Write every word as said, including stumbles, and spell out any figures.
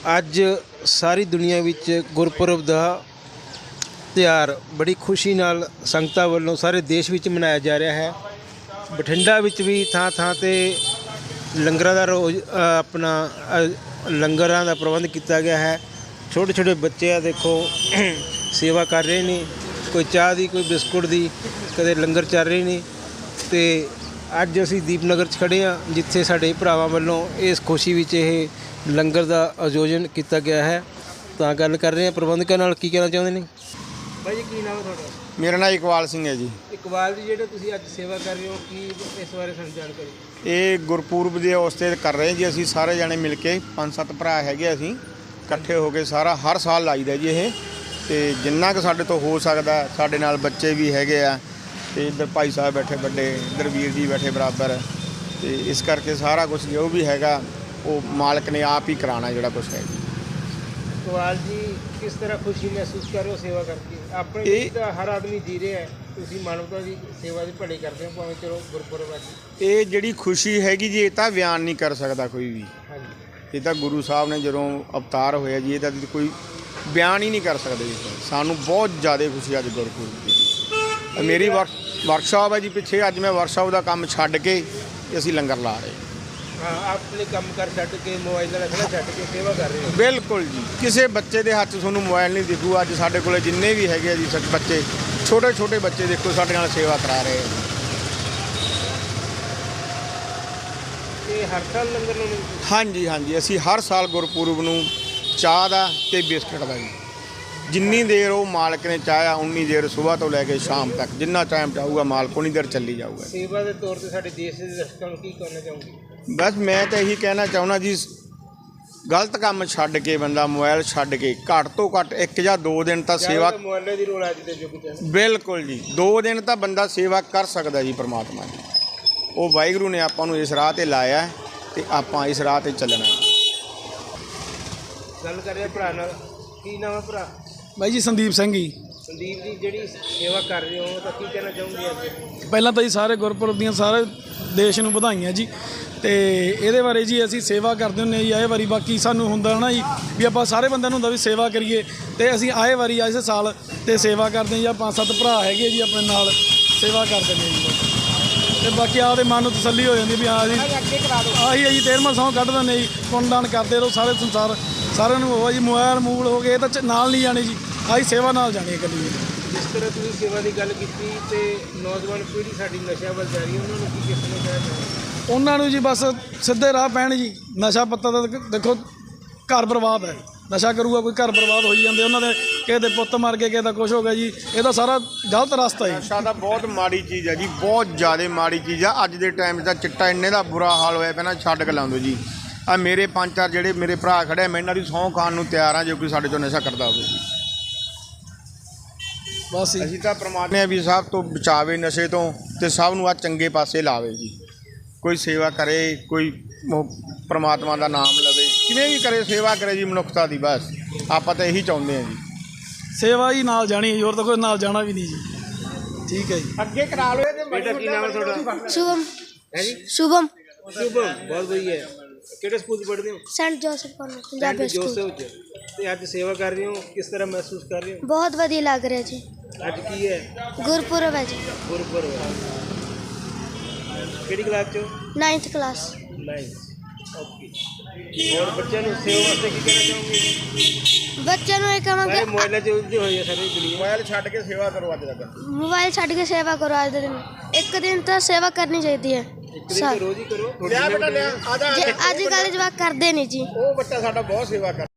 ਅੱਜ ਸਾਰੀ ਦੁਨੀਆ ਵਿੱਚ ਗੁਰਪੁਰਬ ਦਾ ਤਿਉਹਾਰ ਬੜੀ ਖੁਸ਼ੀ ਨਾਲ ਸੰਗਤਾਂ ਵੱਲੋਂ ਸਾਰੇ ਦੇਸ਼ ਵਿੱਚ ਮਨਾਇਆ ਜਾ ਰਿਹਾ ਹੈ। ਬਠਿੰਡਾ ਵਿੱਚ ਵੀ ਥਾਂ ਥਾਂ 'ਤੇ ਲੰਗਰਾਂ ਦਾ ਰੋਜ਼ ਆਪਣਾ ਲੰਗਰਾਂ ਦਾ ਪ੍ਰਬੰਧ ਕੀਤਾ ਗਿਆ ਹੈ। ਛੋਟੇ ਛੋਟੇ ਬੱਚੇ ਆ ਦੇਖੋ ਸੇਵਾ ਕਰ ਰਹੇ ਨੇ, ਕੋਈ ਚਾਹ ਦੀ ਕੋਈ ਬਿਸਕੁਟ ਦੀ, ਕਦੇ ਲੰਗਰ ਚੱਲ ਰਹੇ ਨੇ। ਅਤੇ ਅੱਜ ਅਸੀਂ ਦੀਪਨਗਰ 'ਚ ਖੜ੍ਹੇ ਹਾਂ, ਜਿੱਥੇ ਸਾਡੇ ਭਰਾਵਾਂ ਵੱਲੋਂ ਇਸ ਖੁਸ਼ੀ ਵਿੱਚ ਇਹ ਲੰਗਰ ਦਾ ਆਯੋਜਨ ਕੀਤਾ ਗਿਆ ਹੈ। ਤਾਂ ਗੱਲ ਕਰ ਰਹੇ ਹਾਂ ਪ੍ਰਬੰਧਕਾਂ ਨਾਲ, ਕੀ ਕਹਿਣਾ ਚਾਹੁੰਦੇ ਨੇ ਭਾਈ ਜੀ? ਕੀ ਨਾਮ ਹੈ ਤੁਹਾਡਾ? ਮੇਰਾ ਨਾਮ ਇਕਬਾਲ ਸਿੰਘ ਹੈ ਜੀ। ਇਕਬਾਲ ਜੀ, ਜਿਹੜੇ ਤੁਸੀਂ ਅੱਜ ਸੇਵਾ ਕਰ ਰਹੇ ਹੋ, ਕੀ ਇਸ ਬਾਰੇ ਸਾਨੂੰ ਜਾਣਕਾਰੀ? ਇਹ ਗੁਰਪੁਰਬ ਦੇ ਉਸਤੇ ਕਰ ਰਹੇ ਜੀ ਅਸੀਂ ਸਾਰੇ ਜਣੇ ਮਿਲ ਕੇ, ਪੰਜ ਸੱਤ ਭਰਾ ਹੈਗੇ ਅਸੀਂ ਇਕੱਠੇ ਹੋ ਕੇ ਸਾਰਾ ਹਰ ਸਾਲ ਲਾਈਦਾ ਜੀ ਇਹ। ਅਤੇ ਜਿੰਨਾ ਕੁ ਸਾਡੇ ਤੋਂ ਹੋ ਸਕਦਾ, ਸਾਡੇ ਨਾਲ ਬੱਚੇ ਵੀ ਹੈਗੇ ਆ, ਅਤੇ ਇੱਧਰ ਭਾਈ ਸਾਹਿਬ ਬੈਠੇ ਵੱਡੇ, ਇੱਧਰ ਵੀਰ ਜੀ ਬੈਠੇ ਬਰਾਬਰ, ਅਤੇ ਇਸ ਕਰਕੇ ਸਾਰਾ ਕੁਛ ਜੋ ਵੀ ਹੈਗਾ ਉਹ ਮਾਲਕ ਨੇ ਆਪ ਹੀ ਕਰਾਉਣਾ ਜਿਹੜਾ ਕੁਛ ਹੈ ਜੀ। ਇਕਬਾਲ ਜੀ, ਕਿਸ ਤਰ੍ਹਾਂ ਖੁਸ਼ੀ ਮਹਿਸੂਸ ਕਰ ਰਹੇ ਹੋ ਸੇਵਾ ਕਰਕੇ? ਆਪਣੇ ਇਹ ਤਾਂ ਹਰ ਆਦਮੀ ਜੀ ਰਿਹਾ ਹੈ, ਤੁਸੀਂ ਮਾਨਵਤਾ ਦੀ ਸੇਵਾ ਦੀ ਭਲੇ ਕਰਦੇ ਹੋ, ਭਾਵੇਂ ਚਲੋ ਗੁਰਪੁਰਬ ਅੱਜ। ਇਹ ਜਿਹੜੀ ਖੁਸ਼ੀ ਹੈਗੀ ਜੀ, ਇਹ ਤਾਂ ਬਿਆਨ ਨਹੀਂ ਕਰ ਸਕਦਾ ਕੋਈ ਵੀ। ਹਾਂਜੀ, ਇਹ ਤਾਂ ਗੁਰੂ ਸਾਹਿਬ ਨੇ ਜਦੋਂ ਅਵਤਾਰ ਹੋਇਆ ਜੀ, ਇਹ ਤਾਂ ਕੋਈ ਬਿਆਨ ਹੀ ਨਹੀਂ ਕਰ ਸਕਦੇ ਜੀ। ਸਾਨੂੰ ਬਹੁਤ ਜ਼ਿਆਦਾ ਖੁਸ਼ੀ ਅੱਜ ਗੁਰਪੁਰਬ ਦੀ। ਮੇਰੀ ਵਰਕ ਵਰਕਸ਼ਾਪ ਹੈ ਜੀ ਪਿੱਛੇ, ਅੱਜ ਮੈਂ ਵਰਕਸ਼ਾਪ ਦਾ ਕੰਮ ਛੱਡ ਕੇ ਅਸੀਂ ਲੰਗਰ ਲਾ ਰਹੇ ਹਾਂ। ਆਪਣੇ ਕੰਮ ਕਰ ਛੱਡ ਕੇ, ਮੋਬਾਈਲ ਦਾ ਰੱਖਣਾ ਛੱਡ ਕੇ ਸੇਵਾ ਕਰ ਰਹੇ ਹੋ? ਬਿਲਕੁਲ ਜੀ। ਕਿਸੇ ਬੱਚੇ ਦੇ ਹੱਥ 'ਚ ਤੁਹਾਨੂੰ ਮੋਬਾਈਲ ਨਹੀਂ ਦਿਖੂ। ਅੱਜ ਸਾਡੇ ਕੋਲ ਜਿੰਨੇ ਵੀ ਹੈਗੇ ਆ ਜੀ ਸੱਚ ਬੱਚੇ, ਛੋਟੇ ਛੋਟੇ ਬੱਚੇ ਦੇਖੋ ਸਾਡੇ ਨਾਲ ਸੇਵਾ ਕਰਾ ਰਹੇ ਆ। ਇਹ ਹਰ ਸਾਲ ਲੰਗਰ ਲਾਉਂਦੇ? ਹਾਂਜੀ ਹਾਂਜੀ, ਅਸੀਂ ਹਰ ਸਾਲ ਗੁਰਪੁਰਬ ਨੂੰ ਚਾਹ ਦਾ ਅਤੇ ਬਿਸਕੁਟ ਦਾ ਜੀ, ਜਿੰਨੀ ਦੇਰ ਉਹ ਮਾਲਕ ਨੇ ਚਾਹਿਆ ਉਨੀ ਦੇਰ ਸੁਬਾਹ ਤੋਂ ਲੈ ਕੇ ਸ਼ਾਮ ਤੱਕ ਜਿੰਨਾ ਟਾਈਮ ਚਾਹੂਗਾ ਮਾਲਕ ਉਨੀ ਦੇਰ ਚੱਲੀ ਜਾਊਗਾ। ਸੇਵਾ ਦੇ ਤੌਰ 'ਤੇ ਸਾਡੇ ਦੇਸ਼ ਦੇ ਦਰਸ਼ਕਾਂ ਨੂੰ ਕੀ ਕਹਿਣਾ ਚਾਹੋਗੇ? ਬਸ ਮੈਂ ਤਾਂ ਇਹੀ ਕਹਿਣਾ ਚਾਹੁੰਦਾ ਜੀ, ਗਲਤ ਕੰਮ ਛੱਡ ਕੇ ਬੰਦਾ ਮੋਬਾਈਲ ਛੱਡ ਕੇ ਘੱਟ ਤੋਂ ਘੱਟ ਇੱਕ ਜਾਂ ਦੋ ਦਿਨ ਤਾਂ ਸੇਵਾ। ਮੋਬਾਈਲ ਦੀ ਰੋਲ ਅੱਜ ਦੇ ਯੁੱਗ 'ਚ ਬਿਲਕੁਲ ਜੀ, ਦੋ ਦਿਨ ਤਾਂ ਬੰਦਾ ਸੇਵਾ ਕਰ ਸਕਦਾ ਜੀ ਪਰਮਾਤਮਾ ਦੀ। ਉਹ ਵਾਹਿਗੁਰੂ ਨੇ ਆਪਾਂ ਨੂੰ ਇਸ ਰਾਹ 'ਤੇ ਲਾਇਆ ਅਤੇ ਆਪਾਂ ਇਸ ਰਾਹ 'ਤੇ ਚੱਲਣਾ। ਗੱਲ ਕਰ ਰਿਹਾ ਭਰਾ ਨਾਲ, ਕੀ ਨਾਮ ਹੈ ਭਰਾ? ਬਾਈ ਜੀ ਸੰਦੀਪ ਸਿੰਘ ਜੀ। ਸੰਦੀਪ ਜੀ, ਜਿਹੜੀ ਸੇਵਾ ਕਰ ਰਹੇ ਹੋ ਤਾਂ ਕੀ ਕਹਿਣਾ ਚਾਹੋਗੇ ਅੱਜ? ਪਹਿਲਾਂ ਤਾਂ ਜੀ ਸਾਰੇ ਗੁਰਪੁਰਬ ਦੀਆਂ ਸਾਰੇ ਦੇਸ਼ ਨੂੰ ਵਧਾਈਆਂ ਜੀ। ਅਤੇ ਇਹਦੇ ਬਾਰੇ ਜੀ ਅਸੀਂ ਸੇਵਾ ਕਰਦੇ ਹੁੰਦੇ ਜੀ ਆਏ ਵਾਰੀ। ਬਾਕੀ ਸਾਨੂੰ ਹੁੰਦਾ ਨਾ ਜੀ ਵੀ ਆਪਾਂ ਸਾਰੇ ਬੰਦਿਆਂ ਨੂੰ ਹੁੰਦਾ ਵੀ ਸੇਵਾ ਕਰੀਏ, ਅਤੇ ਅਸੀਂ ਆਏ ਵਾਰੀ ਇਸ ਸਾਲ ਅਤੇ ਸੇਵਾ ਕਰਦੇ ਜੀ। ਪੰਜ ਸੱਤ ਭਰਾ ਹੈਗੇ ਜੀ ਆਪਣੇ ਨਾਲ ਸੇਵਾ ਕਰਦੇ ਨੇ ਜੀ। ਅਤੇ ਬਾਕੀ ਆਪਦੇ ਮਨ ਨੂੰ ਤਸੱਲੀ ਹੋ ਜਾਂਦੀ ਵੀ ਹਾਂ ਜੀ ਆਹੀ ਹੈ ਜੀ ਤੇਰਵਾਂ ਸਹੁੰ ਕੱਢ ਦਿੰਦੇ ਜੀ। ਪੁੰਨਦਾਨ ਕਰਦੇ ਰਹੋ ਸਾਰੇ ਸੰਸਾਰ ਸਾਰਿਆਂ ਨੂੰ ਹੋਵਾ ਜੀ। ਮੋਬਾਇਲ ਮੂਲ ਹੋ ਗਏ ਇਹ ਤਾਂ ਨਾਲ ਨਹੀਂ ਜਾਣੇ ਜੀ, ਆਹੀ ਸੇਵਾ ਨਾਲ ਜਾਣੀ ਹੈ ਇਕੱਲੀ। ਜਿਸ ਤਰ੍ਹਾਂ ਤੁਸੀਂ ਸੇਵਾ ਦੀ ਗੱਲ ਕੀਤੀ ਅਤੇ ਨੌਜਵਾਨ ਪੀੜ੍ਹੀ ਸਾਡੀ ਨਸ਼ਾ ਵੱਲ ਜਾ ਰਹੀ ਹੈ, ਉਹਨਾਂ ਨੂੰ ਕੀ ਕਿਸ ਨੂੰ ਕਹਿਣਾ ਚਾਹੁੰਦੇ? ਉਹਨਾਂ ਨੂੰ ਜੀ ਬਸ ਸਿੱਧੇ ਰਾਹ ਪੈਣ ਜੀ। ਨਸ਼ਾ ਪੱਤਾ ਦਾ ਦੇਖੋ ਘਰ ਬਰਬਾਦ ਹੈ, ਨਸ਼ਾ ਕਰੂਗਾ ਕੋਈ ਘਰ ਬਰਬਾਦ ਹੋਈ ਜਾਂਦੇ। ਉਹਨਾਂ ਦੇ ਕਿਸੇ ਦੇ ਪੁੱਤ ਮਰ ਗਏ, ਕਿਸੇ ਦਾ ਕੁਛ ਹੋ ਗਿਆ ਜੀ। ਇਹਦਾ ਸਾਰਾ ਗਲਤ ਰਸਤਾ ਹੈ। ਨਸ਼ਾ ਤਾਂ ਬਹੁਤ ਮਾੜੀ ਚੀਜ਼ ਹੈ ਜੀ, ਬਹੁਤ ਜ਼ਿਆਦਾ ਮਾੜੀ ਚੀਜ਼ ਆ। ਅੱਜ ਦੇ ਟਾਈਮ 'ਚ ਤਾਂ ਚਿੱਟਾ ਇੰਨੇ ਦਾ ਬੁਰਾ ਹਾਲ ਹੋਇਆ ਪਿਆ ਨਾ, ਛੱਡ ਕੇ ਲਾਉਂਦੇ ਜੀ। ਆ ਮੇਰੇ ਪੰਜ ਚਾਰ ਜਿਹੜੇ ਮੇਰੇ ਭਰਾ ਖੜ੍ਹੇ, ਮੈਂ ਇਹਨਾਂ ਦੀ ਸਹੁੰ ਖਾਣ ਨੂੰ ਤਿਆਰ ਹਾਂ ਜੇ ਕੋਈ ਸਾਡੇ 'ਚੋਂ ਨਸ਼ਾ ਕਰਦਾ ਹੋਵੇ ਜੀ। ਬਸ ਅਸੀਂ ਤਾਂ ਪਰਮਾਤਮਾ ਵੀ ਸਭ ਤੋਂ ਬਚਾਵੇ ਨਸ਼ੇ ਤੋਂ, ਅਤੇ ਸਭ ਨੂੰ ਆ ਚੰਗੇ ਪਾਸੇ ਲਾਵੇ ਜੀ। ਕੋਈ ਸੇਵਾ ਕਰੇ, ਕੋਈ ਪਰਮਾਤਮਾ ਦਾ ਨਾਮ ਲਵੇ, ਕਿਵੇਂ ਵੀ ਕਰੇ ਸੇਵਾ ਕਰੇ ਜੀ ਮਨੁੱਖਤਾ ਦੀ। ਬਸ ਆਪਾਂ ਤਾਂ ਇਹੀ ਚਾਹੁੰਦੇ ਹਾਂ ਜੀ। ਸੇਵਾ ਹੀ ਨਾਲ ਜਾਣੀ ਹੈ, ਹੋਰ ਤਾਂ ਕੋਈ ਨਾਲ ਜਾਣਾ ਵੀ ਨਹੀਂ ਜੀ। ਠੀਕ ਹੈ ਜੀ, ਅੱਗੇ ਕਰਾ ਲਓ। ਬੇਟਾ ਕੀ ਨਾਮ ਹੈ ਤੁਹਾਡਾ? शुभम ਹੈ ਜੀ शुभम ਸ਼ੁਭਮ, ਬਹੁਤ ਵਧੀਆ। ਕਿਹੜੇ ਸਕੂਲ 'ਚ ਪੜ੍ਹਦੇ ਹੋ? Saint Joseph Convent Saint Punjabi school. Joseph 'ਚ। ਅਤੇ ਅੱਜ ਸੇਵਾ ਕਰ ਰਹੇ ਹੋ, ਕਿਸ ਤਰ੍ਹਾਂ ਮਹਿਸੂਸ ਕਰ ਰਹੇ ਹੋ? बहुत वधिया लग रहा जी। ਅੱਜ ਕੀ ਹੈ? गुरपुरब है जी। ਗੁਰਪੁਰਬ ਹੈ। ਕਿਹੜੀ ਕਲਾਸ 'ਚ? Ninth class. ਨਾਈਨਥ। ਓਕੇ। ਹੋਰ ਬੱਚਿਆਂ ਨੂੰ ਸੇਵਾ ਵਾਸਤੇ ਕੀ ਕਹਿਣਾ ਚਾਹੋਗੇ? बच्चों ਨੂੰ ਇਹ ਸਾਰੇ ਕਹਾਂਗੇ ਮੋਬਾਈਲਾਂ 'ਚ ਉਲਝੇ ਹੋਏ ਆ ਸਾਰੀ ਦੁਨੀਆ। ਮੋਬਾਈਲ ਛੱਡ ਕੇ ਸੇਵਾ ਕਰੋ ਅੱਜ ਤੱਕ। ਮੋਬਾਈਲ ਛੱਡ ਕੇ ਸੇਵਾ ਕਰੋ ਅੱਜ ਦੇ ਦਿਨ। ਇੱਕ ਦਿਨ ਤਾਂ ਸੇਵਾ ਕਰਨੀ ਚਾਹੀਦੀ ਹੈ। ਇੱਕ ਦਿਨ ਤਾਂ ਰੋਜ਼ ਹੀ ਕਰੋ। ਲਿਆ ਬੇਟਾ ਲਿਆ, ਆ ਜਾ। ਜੇ ਅੱਜ ਕੱਲ੍ਹ ਜਵਾਕ ਕਰਦੇ ਨਹੀਂ ਜੀ। ਉਹ ਬੱਚਾ ਸਾਡਾ ਬਹੁਤ ਸੇਵਾ ਕਰ